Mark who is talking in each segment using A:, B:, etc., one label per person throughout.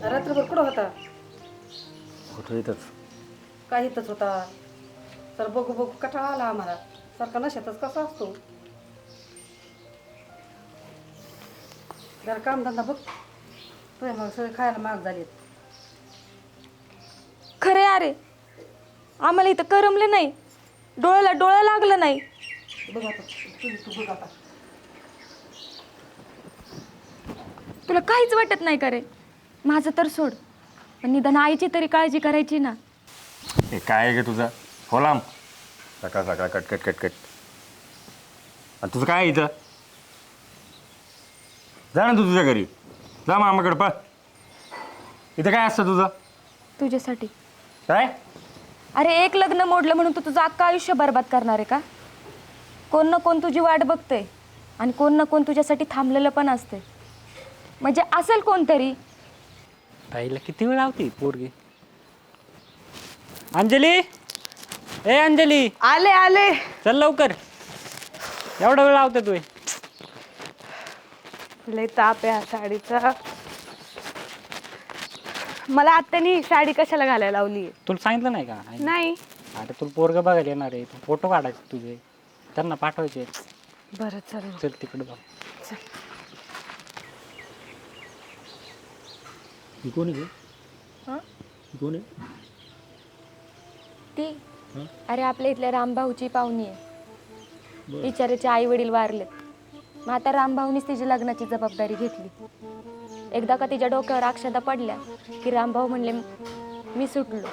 A: रात्रभर कुठं होता?
B: कुठं येतच
A: काय इथंच होता? तर बघू बघू कटाळा आला आम्हाला. सारखा नशेतच कसा असतो. जरा कामधंदा बघ. तुझ्या मग सगळे खायला महाग झालेत.
C: खरे अरे आम्हाला इथं करमलं नाही, डोळ्याला डोळा लागलं नाही.
A: बघ आता तू बघ आता.
C: तुला काहीच वाटत नाही का रे? माझं तर सोड, पण निदान आईची तरी काळजी करायची ना.
B: हे काय आहे ग तुझं? हो लांब सकाळ सकाळ कटकट कटकट. आणि तुझं काय आहे इथं? जा ना तू तुझ्या घरी, जा मामाकडं पा. इथं काय असतं तुझं?
C: तुझ्यासाठी.
B: काय?
C: अरे एक लग्न मोडलं म्हणून तू तुझं अख्खं आयुष्य बरबाद करणार आहे का? कोण ना कोण तुझी वाट बघतंय आणि कोण ना कोण तुझ्यासाठी थांबलेलं पण असते. म्हणजे असेल कोणतरी.
D: ताईला किती वेळ लावती पोरगी? अंजली, ए अंजली,
E: आले आले.
D: चल लवकर. एवढा वेळ लावते तू?
E: लय ताप आहे हा साडीचा. मला आत्यानी साडी कशाला घालायला लावली?
D: तुला सांगितलं नाही का?
E: नाही.
D: अरे तुला पोरग बघायला येणार आहे, तू फोटो काढायचे तुझे, त्यांना पाठवायचे.
E: बरं चल.
D: चल तिकडे बघ.
B: कोण आहे?
C: हां
B: कोण आहे?
C: ती अरे आपल्या इथल्या रामभाऊची पाहुणी आहे. बिचाऱ्याचे आई वडील वारलेत. मग आता रामभाऊनीच तिची लग्नाची जबाबदारी घेतली. एकदा का तिच्या डोक्यावर अक्षदा पडल्या की रामभाऊ म्हणले मी सुटलो.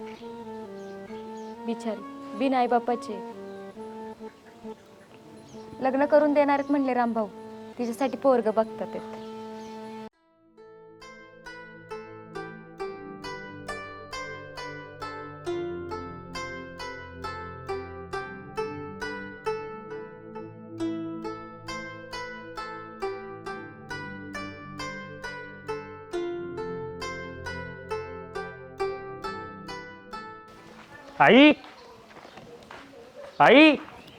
C: बिचारी बिन आई बापाचे लग्न करून देणार आहेत म्हणले रामभाऊ. तिच्यासाठी पोरग बघतात आहेत.
B: आई, आई,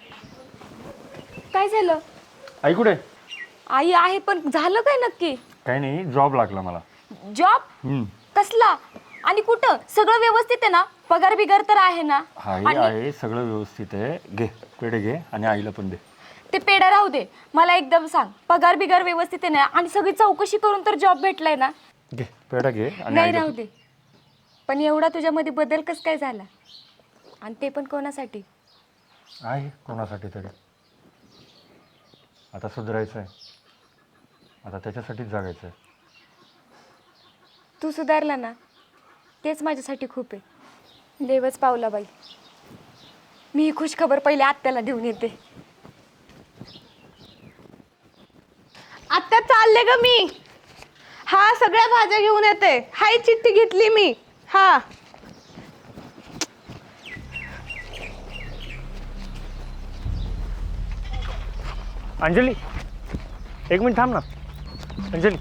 C: काय झालं?
B: आई कुठे?
C: आई आहे पण झालं काय नक्की?
B: काही नाही, जॉब लागला मला.
C: जॉब? कसला आणि कुठं? सगळं व्यवस्थित आहे ना? पगार बिगार तर आहे ना?
B: हाय
C: आणि
B: आहे, सगळं व्यवस्थित आहे. घे पेढे घे आणि आईला पण दे.
C: ते पेढा राहू दे, मला एकदम सांग, पगार बिगार व्यवस्थित आहे ना? आणि सगळी चौकशी करून तर जॉब भेटलाय ना?
B: घे पेढा घे आणि
C: नाही
B: आईला
C: राहू दे, पण एवढा तुझ्यामध्ये बदल कस काय झाला? आणि ते पण कोणासाठी?
B: आहे कोणासाठी तरी. आता सुधारायचं आहे, आता त्याच्यासाठीच जगायचं आहे.
C: तू सुधारला ना, तेच माझ्यासाठी खूप आहे. देवच पावला बाई. मी ही खुश खबर पहिले आत्याला देऊन येते.
E: आत्या चालले ग मी. हा सगळ्या भाज्या घेऊन येते. हाय चिठ्ठी घेतली मी. हा
B: अंजली, एक मिनिट थांब ना. अंजली,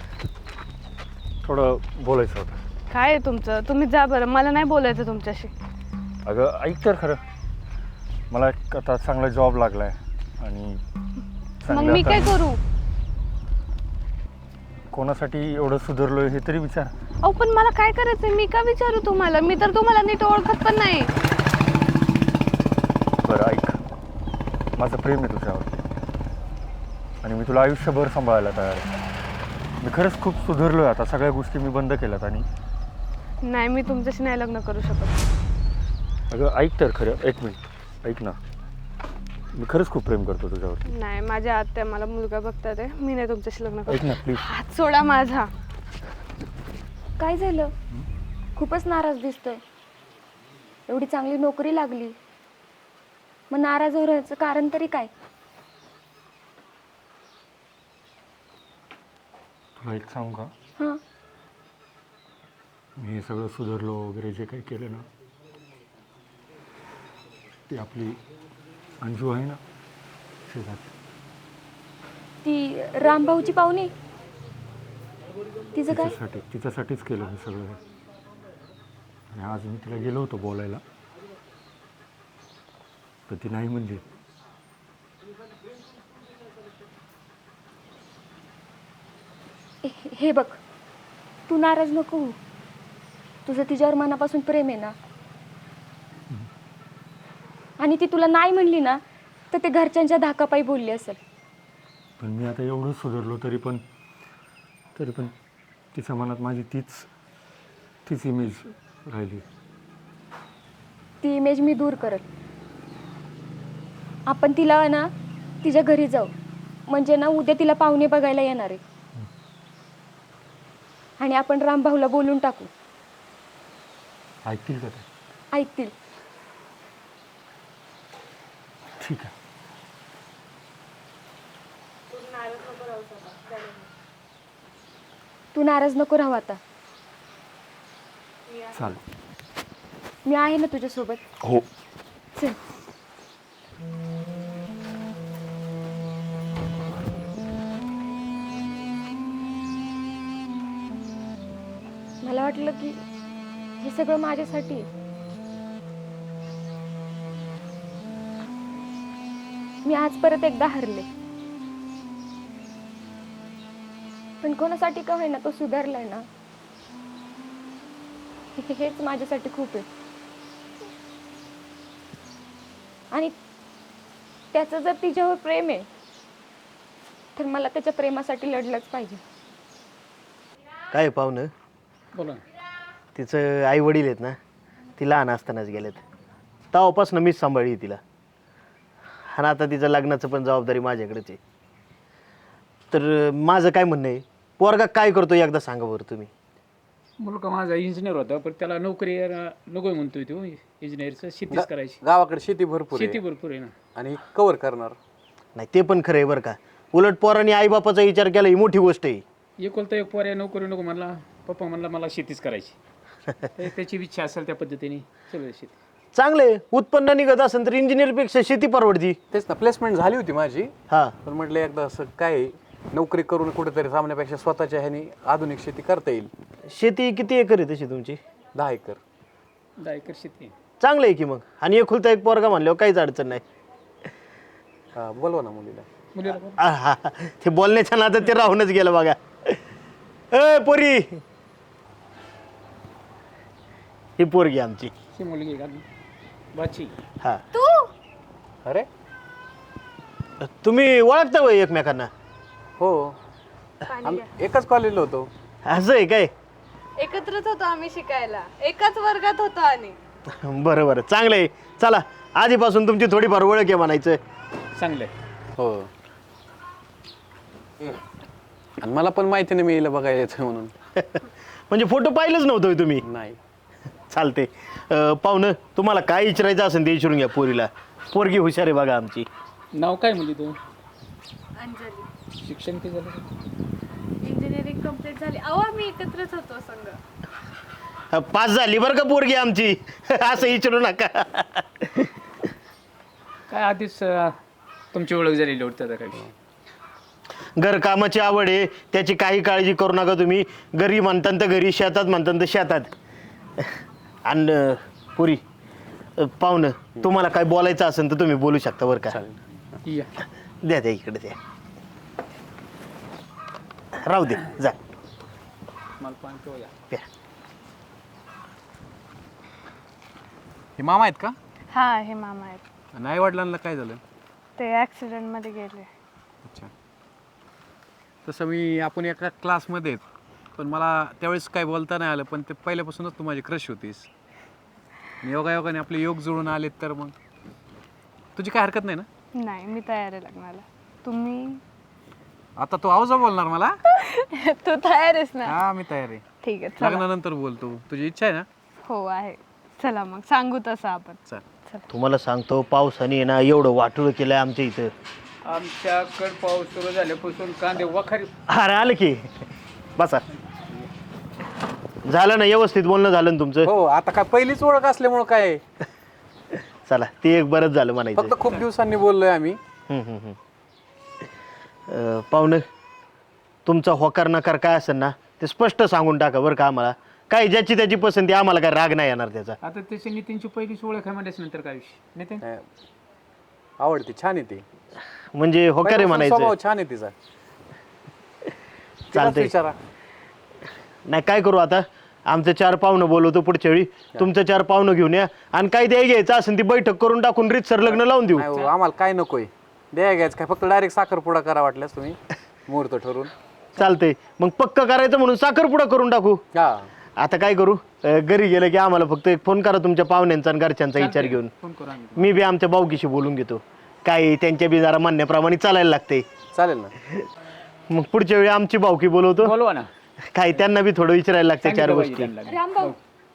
B: थोडं बोलायचं होतं.
E: काय आहे तुमचं? तुम्ही जा बरं, मला नाही बोलायचं तुमच्याशी.
B: अगं ऐक तर खरं, मला आता चांगला जॉब लागलाय आणि
E: मग मी काय करू?
B: कोणासाठी एवढं सुधारलोय हे तरी विचार.
E: अहो पण मला काय करायचंय? मी का विचारू तुम्हाला? मी तर तुम्हाला नीट ओळखत पण नाही.
B: बरं ऐक, माझं प्रेम आहे तुझ्यावर आणि मी तुला आयुष्यभर सांभाळायला तयार आहे. मी खरंच खूप सुधारलोय आता. सगळ्या गोष्टी मी बंद केल्यात आणि
E: नाही, मी तुमच्याशी नाही लग्न करू शकत.
B: अगं ऐक तर खरं, एक मिनिट ऐक ना. मी खरंच खूप प्रेम करतो तुझ्यावर.
E: नाही, माझ्या आत्या मला मुलगा बघतात आहे. मी नाही तुमच्याशी लग्न
B: ऐक
E: करू.
B: ना प्लीज.
E: हात सोडा माझा.
C: काय झालं? खूपच नाराज दिसतोय. एवढी चांगली नोकरी लागली, मग नाराज होण्याचं कारण तरी काय?
B: तुला एक सांगू का?
C: हां
B: मी हे सगळं सुधारलो वगैरे जे काही केलं ना, ती आपली अंजू आहे ना शेजारची,
C: ती रामभाऊची पाहुणी, तिचं काय?
B: तिच्यासाठीच केलं हे सगळं. आणि आज मी तिला गेलो होतो बोलायला, तर ती नाही म्हणजे.
C: हे बघ, तू नाराज नको होऊ. तुझं तिच्यावर मनापासून प्रेम आहे ना. आणि ती तुला नाही म्हणली ना तर ते घरच्यांच्या धाकापायी बोलली असेल.
B: पण मी आता एवढं सुधारलो तरी पण तिच्या मनात माझी तीच इमेज राहिली.
C: ती इमेज मी दूर करत. आपण तिला ना तिच्या घरी जाऊ, म्हणजे ना उद्या तिला पाहुणे बघायला येणार आहे. आणि आपण रामभाऊला बोलून टाकू.
B: ऐकतील का ते?
C: ऐकतील.
B: ठीक आहे.
C: तू नाराज नको राहू आता.
B: चालेल.
C: मी आहे ना तुझ्यासोबत.
B: हो.
C: चल. मला वाटलं की हे सगळं माझ्यासाठी आहे. मी आज परत एकदा हरले, पण कोणासाठी का होईना तो सुधारलाय ना, हेच माझ्यासाठी खूप आहे. आणि त्याचं जर तिच्यावर प्रेम आहे तर मला त्याच्या प्रेमासाठी लढलंच पाहिजे.
F: काय पाहुणं,
D: बोला.
F: तिचं आई वडील आहेत ना, ती लहान असतानाच गेलेत. तेव्हापासून मीच सांभाळली तिला. आणि आता तिचं लग्नाचं पण जबाबदारी माझ्याकडेच आहे. तर माझं काय म्हणणं आहे, पोरगा काय करतो एकदा सांगा बरं तुम्ही.
G: मुलगा माझा इंजिनियर होता, पण त्याला नोकरी नको म्हणतोय तो. इंजिनियरचं शेतीच करायची.
H: गावाकडे शेती भरपूर
G: शेती भरपूर आहे ना.
H: आणि कव्हर करणार
F: नाही ते पण खरं आहे बरं का. उलट पोरांनी आईबापाचा विचार केला ही मोठी गोष्ट आहे.
G: एकोलता एक पोऱ्या नोकरी नको म्हणला. पप्पा म्हणला मला शेतीच करायची. तर त्याची इच्छा असेल त्या पद्धतीने सगळं शेती.
F: चांगले उत्पन्न निघत असेल तर इंजिनियरपेक्षा शेती परवडती.
H: तेच ना, प्लेसमेंट झाली होती माझी.
F: हा,
H: पण म्हटलं एकदा असं काय नोकरी करून कुठेतरी थांबण्यापेक्षा स्वतःच्या ह्यानी आधुनिक शेती करता येईल.
F: शेती किती एकर आहे तशी तुमची?
H: 10 एकर.
G: 10 एकर शेती आहे.
F: चांगलं आहे की मग. आणि एकुलता एक पोरगा म्हणल्यावर काहीच अडचण नाही.
H: हा, बोलवा ना मुलीला.
G: मुलीला बोल.
F: आहा, ते बोलण्याच्या नादात ते राहूनच गेलं बघा. ए पोरी, ही पोरगी आमची.
G: ही मुलगी आहे का बाची?
F: हा,
H: अरे
F: तुम्ही ओळखता होय एकमेकांना?
H: हो, एकाच कॉलेजला होतो.
F: असं आहे काय?
E: एकत्रच होतो आम्ही शिकायला, एकाच वर्गात होतो. आणि
F: बरं बरं, चांगलं आहे. चला, आधीपासून तुमची थोडीफार ओळख आहे म्हणायचं.
G: चांगलं आहे.
H: हो, आणि मला पण माहिती नाही मी हिला बघायला येतोय म्हणून.
F: म्हणजे फोटो पाहिलंच नव्हतं होय तुम्ही?
H: नाही.
F: चालते. पाहुणं, तुम्हाला काय विचारायचं असेल ते विचारून घ्या पोरीला. पोरगी हुशार आहे बघा आमची.
G: नाव काय मुली तू?
E: अंजली.
G: शिक्षण किती झालं?
E: इंजिनिअरिंग कम्प्लीट झाली. अहो आम्ही एकत्रच होतो संघ.
F: पास झाली बरं का पोरगी आमची. असं विचारू नका.
G: काय आधीच तुमची ओळख झालेली होती काय?
F: घरकामाची आवड आहे, त्याची काही काळजी करू नका तुम्ही. घरी म्हणतात तर घरी, शेतात म्हणतात तर शेतात. आणि पुरी पाहुणं, तुम्हाला काय बोलायचं असेल तर तुम्ही बोलू शकता बरं का.
G: या.
F: द्या द्या इकडे द्या. राहू दे, जा
G: मला पाणी पिऊ द्या.
F: प्या.
H: हे मामा आहेत का?
E: हा, हे मामा आहेत.
H: नाही, वडिलांना काय झालं?
E: ते ऍक्सिडेंट मध्ये गेले.
H: अच्छा. तसं आपण एका क्लासमध्ये आहेत, पण मला त्यावेळेस काय बोलता नाही आलं. पण ते पहिल्यापासूनच तू माझी क्रश होतीस. योगायोगाने आपले योग जुळून आलेत, तर मग तुझी काय हरकत नाही ना?
E: नाही, मी तयार आहे लग्नाला. तुम्ही?
H: आता तू आवाज बोलणार मला?
E: तू तयार आहेस ना?
H: हा, मी तयार आहे.
E: ठीक आहे, चला.
H: लग्नानंतर बोलतो. तुझी इच्छा आहे ना?
E: हो आहे. चला मग सांगू तसं आपण.
H: चल.
F: तुम्हाला सांगतो, पावसाने आहे ना एवढं वाटोळं केलंय आमच्या इथं.
G: आमच्याकडे पाऊस सुरू झाल्यापासून कांदे वखारी.
F: अरे आलं की, बसा. झालं ना, व्यवस्थित बोलणं झालं ना तुमचं?
H: हो, आता काय पहिलीच ओळख असल्यामुळं काय,
F: चला, ते एक बरंच झालं म्हणायचं.
H: फक्त खूप दिवसांनी बोललोय आम्ही.
F: पाहुणं, तुमचा होकार नकार काय असेल ना ते स्पष्ट सांगून टाका बरं का आम्हाला. काय ज्याची त्याची पसंती, आम्हाला काय राग नाही येणार त्याचा.
G: आता त्याची नितीनची पहिलीच ओळख आहे म्हणल्यास नंतर काय विषय नितीन?
H: आवडते, छान आहे ती.
F: म्हणजे होकार आहे म्हणायचं.
H: स्वभाव छान आहे तिचा.
F: चालतंय.
H: विचारा.
F: नाही काय करू आता, आमचं 4 पाहुणं बोलवतो पुढच्या वेळी, तुमचं 4 पाहुणं घेऊन या आणि काय द्याय घ्यायचं असेल ती बैठक करून टाकून रीतसर लग्न लावून देऊ.
H: नाही हो, आम्हाला काय नकोय द्या घ्यायचं काय, फक्त डायरेक्ट साखरपुडा करा वाटल्यास तुम्ही मुहूर्त ठरवून.
F: चालतंय मग पक्क करायचं म्हणून साखरपुडा करून टाकू.
H: हा
F: आता काय करू, घरी गेलं की आम्हाला फक्त एक फोन करा तुमच्या पाहुण्यांचा आणि घरच्यांचा विचार घेऊन.
G: फोन करू आम्ही.
F: मी बी आमच्या भाऊकीशी बोलून घेतो, काय त्यांच्या बी जरा म्हणण्याप्रमाणे चालायला लागते.
H: चालेल ना.
F: मग पुढच्या वेळी आमची भाऊकी बोलवतो,
G: बोलवा ना.
F: काय त्यांना बी थोडं विचारायला लागते 4
G: सांगितलं पाहिजे
F: गोष्टी.
G: त्यांना.
C: रामभाऊ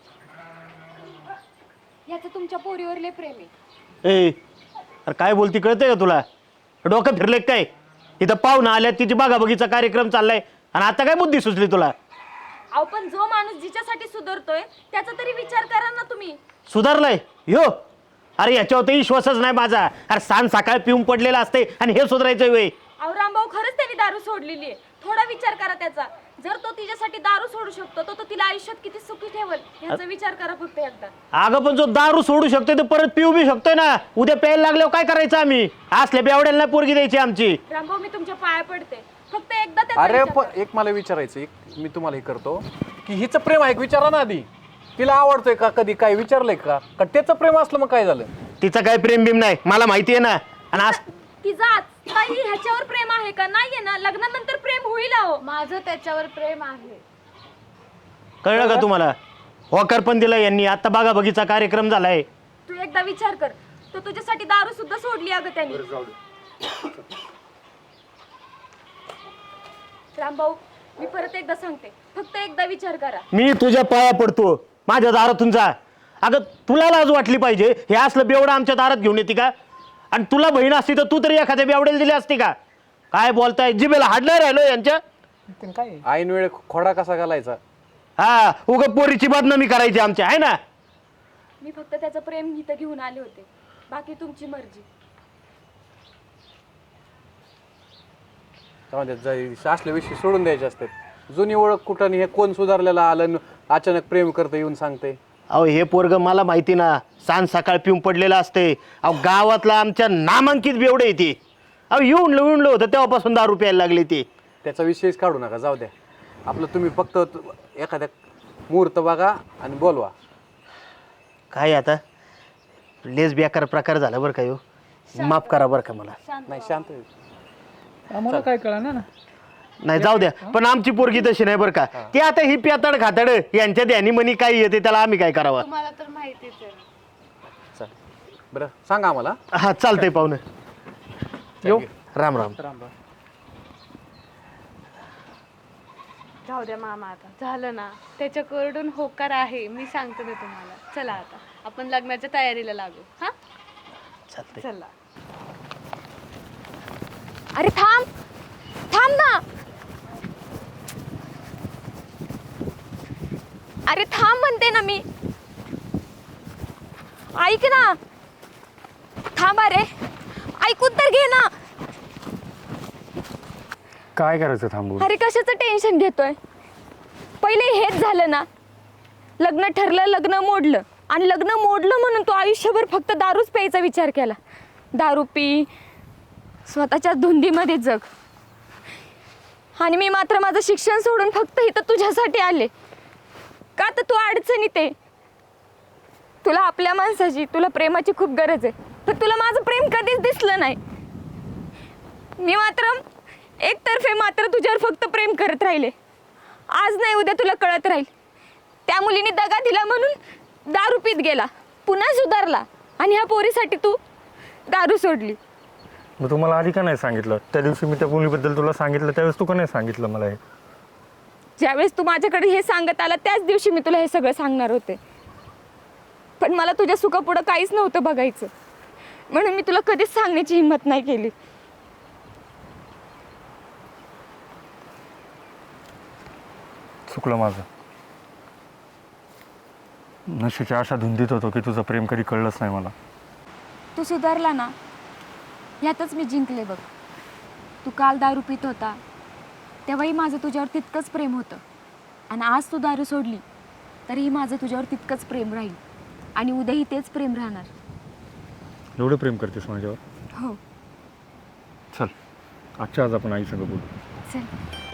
C: याचं तुमच्या पोरीवर लय प्रेम आहे.
F: ए अरे काय बोलती कळतंय का तुला, डोकं फिरले काय? इथं पाहुणं आल्यात, तिची बागाबगीचा कार्यक्रम चाललाय आणि आता काय बुद्धी सुचली तुला?
C: अहो पण जो माणूस जिच्यासाठी सुधारतोय त्याचा तरी विचार करा ना तुम्ही.
F: सुधारलाय ह्यो? अरे याच्यावर तर विश्वासच नाही माझा. अरे सांज सकाळ पिऊन पडलेला असते आणि हे सुधारायचं वेळ.
C: अहो रामभाऊ खरंच त्यांनी दारू सोडलेली आहे. थोडा विचार करा त्याचा. जर तो तिच्यासाठी दारू सोडू शकतो तर तो तिला आयुष्यात किती सुखी ठेवल याचा विचार करा फक्त एकदा.
F: अगं पण जो दारू सोडू शकतोय तर परत पिऊ बी शकतोय ना. उद्या प्यायला लागल्यावर काय करायचं आम्ही? असल्या बेवड्याला नाही पोरगी द्यायची आमची.
C: रामभाऊ मी तुमच्या पाया पडते, फक्त एकदा त्याचा
H: अरे
C: विचार करा.
H: एक मला विचारायचं, एक मी तुम्हाला हे करतो की हिचं प्रेम आहे का विचारा ना आधी. तिला आवडतोय का, कधी काय विचारलंय का त्याचं प्रेम असलं मग काय झालं?
F: तिचं काय प्रेम बिम नाही मला माहिती आहे ना. आणि आज
C: तिचा काही ह्याच्यावर प्रेम आहे का? नाहीये ना. लग्नानंतर प्रेम होईल अहो.
E: माझं त्याच्यावर प्रेम आहे.
F: कळलं का तुम्हाला? होकार पण दिला यांनी. आता बघा बगीचा कार्यक्रम झालाय.
C: तू एकदा विचार कर, तो तुझ्यासाठी दारू सुद्धा सोडली अगं त्यांनी. रामभाऊ मी परत एकदा सांगते, फक्त एकदा विचार करा.
F: मी तुझ्या पाया पडतो, माझ्या दारातून जा. अगं तुला लाज वाटली पाहिजे. हे असलं बेवडं आमच्या दारात घेऊन येते का? आणि तुला बहीण असती तर तू तरी एखाद्या बेवड्याला दिली असती का? काय बोलताय, जिभेला हाड नाही राहिलो यांच्या.
G: काय
H: ऐन वेळ खोडा कसा घालायचा?
F: हा उगा पोरीची बदनामी करायची आमच्या, आहे ना.
C: मी फक्त त्याचं प्रेम इथं घेऊन आले होते, बाकी तुमची मर्जी.
H: असल्या विषयी सोडून द्यायचे असतात. जुनी ओळख कुठं नाही, हे कोण सुधारलेलं आलं आणि अचानक प्रेम करतं येऊन सांगते.
F: अहो हे पोरग मला माहिती ना, सांज सकाळ पिऊन पडलेलं असते. अहो गावातला आमच्या नामांकित बेवडे येते. अहो येऊन होतं तेव्हापासून दारू प्यायला लागली ती.
H: त्याचा विषयच काढू नका, जाऊ द्या. आपलं तुम्ही फक्त एखाद्या मुहूर्त बघा आणि बोलवा.
F: काय आता लेस बेकार प्रकार झाला बरं का. माफ करा बरं का मला.
H: नाही शांत आहे.
G: आम्हाला काय कळणार ना.
F: नाही जाऊ द्या, पण आमची पोरगी तशी नाही बरं का. ती आता ही प्यातड खातड यांच्या ध्यानी मनी काय येते त्याला आम्ही काय करावं.
E: तुम्हाला तर माहितीच आहे.
H: चालेल. बरं सांगा आम्हाला.
F: हा चालतंय पाहुणं.
H: येऊ.
F: राम राम.
E: जाऊ द्या मामा, आता झालं ना. त्याच्याकडून होकार आहे, मी सांगते ना तुम्हाला. चला आता आपण लग्नाच्या तयारीला लागू. हा
F: चालतंय.
E: चला.
C: अरे थांब थांब ना. अरे थांब म्हणते ना मी. ऐक ना. थांब अरे, ऐकून तर घे ना.
B: काय करायचं थांबून?
C: अरे कशाचं टेन्शन घेतोय? पहिले हेच झालं ना. लग्न ठरलं, लग्न मोडलं. आणि लग्न मोडलं म्हणून तू आयुष्यभर फक्त दारूच प्यायचा विचार केला. दारू पी, स्वतःच्या धुंदीमध्ये जग. आणि मी मात्र माझं शिक्षण सोडून फक्त इथं तुझ्यासाठी आले. का तर तू अडचणीत आहे. तुला आपल्या माणसाची, तुला प्रेमाची खूप गरज आहे. पण तुला माझं प्रेम कधीच दिसलं नाही. मी मात्र एकतर्फे मात्र तुझ्यावर फक्त प्रेम करत राहिले. आज नाही उद्या तुला कळत राहील. त्या मुलीने दगा दिला म्हणून दारू पीत गेला, पुन्हा सुधारला. आणि ह्या पोरीसाठी तू दारू सोडली.
B: मग तुम्हाला आधी का नाही सांगितलं? त्या दिवशी मी त्या मुलीबद्दल तुला सांगितलं त्यावेळेस तू का नाही सांगितलं मला हे?
C: ज्यावेळेस तू माझ्याकडे हे सांगत आला त्याच दिवशी मी तुला हे सगळं सांगणार होते. पण मला तुझ्या सुखापुढं काहीच नव्हतं बघायचं, म्हणून मी तुला कधीच सांगण्याची हिंमत नाही केली.
B: चुकलं माझं. नशेच्या अशा धुंदीत होतो की तुझं प्रेम कधी कळलंच नाही मला.
C: तू सुधारला ना, यातच मी जिंकले बघ. तू काल दारू पित होता तेव्हाही माझं तुझ्यावर तितकंच प्रेम होतं. आणि आज तू दारू सोडली तरीही माझं तुझ्यावर तितकंच प्रेम राहील. आणि उद्याही तेच प्रेम राहणार.
B: एवढं प्रेम करतेस माझ्यावर?
C: हो.
B: चल आजच्या आज आपण आईसंग बोलू.
C: चल.